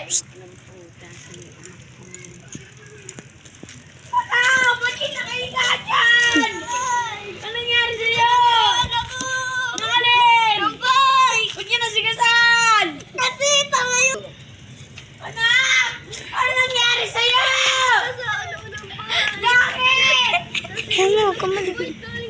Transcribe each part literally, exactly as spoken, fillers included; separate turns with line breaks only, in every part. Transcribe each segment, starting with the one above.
Ah! Ba't kinakahiga dyan? Anong nangyari sa'yo? Anak ko! Nangalin! Ampay! Ba't kinasigasan? Kasi tanga yun! Anak! Ano nangyari sa'yo? Bakit?
Ano, kamali.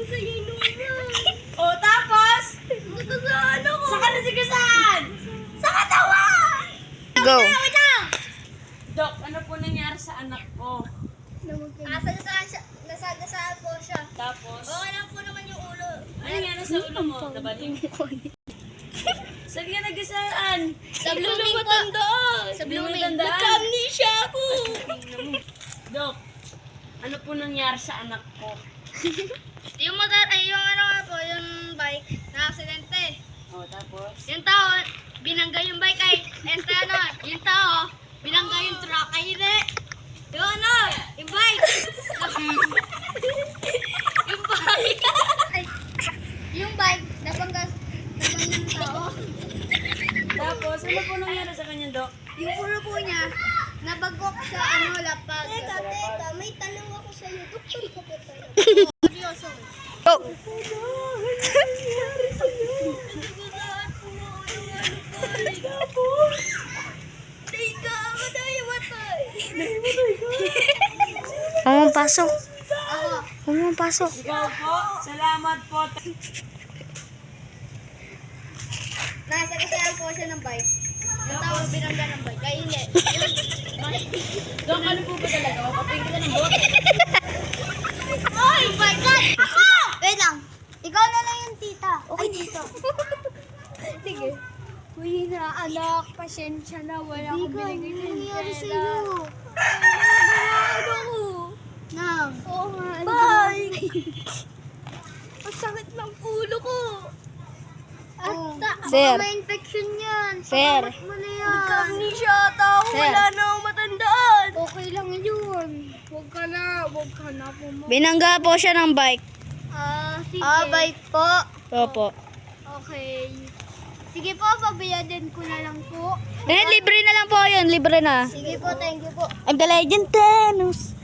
O tapos? Saan ka nasigasan? Sa katawan!
Go.
Dok, ano po nangyari sa anak ko?
Nasagasaan siya, nasagasaan po siya.
Tapos?
Okay lang po naman yung ulo.
Ano nangyari sa ulo mo? Nabaling? Saan ka nagasaan?
Sa blooming po. Sa blooming.
Nagka-amnesia ako. Dok, ano po nangyari sa anak ko?
Yung motor, ay yung ano nga po, yung bike, na-aksidente.
O, tapos?
Yung tao, binangga yung bike ay, este ano, yung tao, binangga yung truck ay hindi. Yung ano, yung bike. yung bike. Ay, yung bike, nabangga, nabangga yung tao.
Tapos, ano po nangyari sa kanya, Dok?
Yung ulo po niya, nabagok sa ano, lapag. Teka, teka, may tanong ako sa'yo. Doktor ka ba tayo? Seryoso.
Go.
Teka, madaya matay.
Huwag mong pasok.
Ako.
Huwag mong pasok.
Ikaw po, salamat po.
Nasa kasayan po siya ng bike. Yung tao binangga ng bike. Kaya hindi.
Dok, ano po ba talaga? Papagin ka ng bote.
Oy, my God! Ako! Wait lang. Ikaw na lang yung tita. Okay, dito. Sige. Uy na, anak. Pasensya na. Wala akong binigay ng nangyari sa'yo. Ano ko? Nang. Oo nga. Bye! Ang sakit ng ulo ko.
Oh.
At,
Sir.
may infection yan.
Sir.
Pakamot mo na yan.
Nagka-amnesia tao.
Sir.
Wala na akong matandaan.
Okay lang yun. Huwag ka na. Huwag ka na pumunta.
Binangga po siya ng bike.
Ah, sige. Ah, bike po.
Opo.
Okay. Sige po, pabayadin ko na lang po.
Eh, libre na lang po yun. Libre na.
Sige po, thank you po.
I'm the legend Thanos.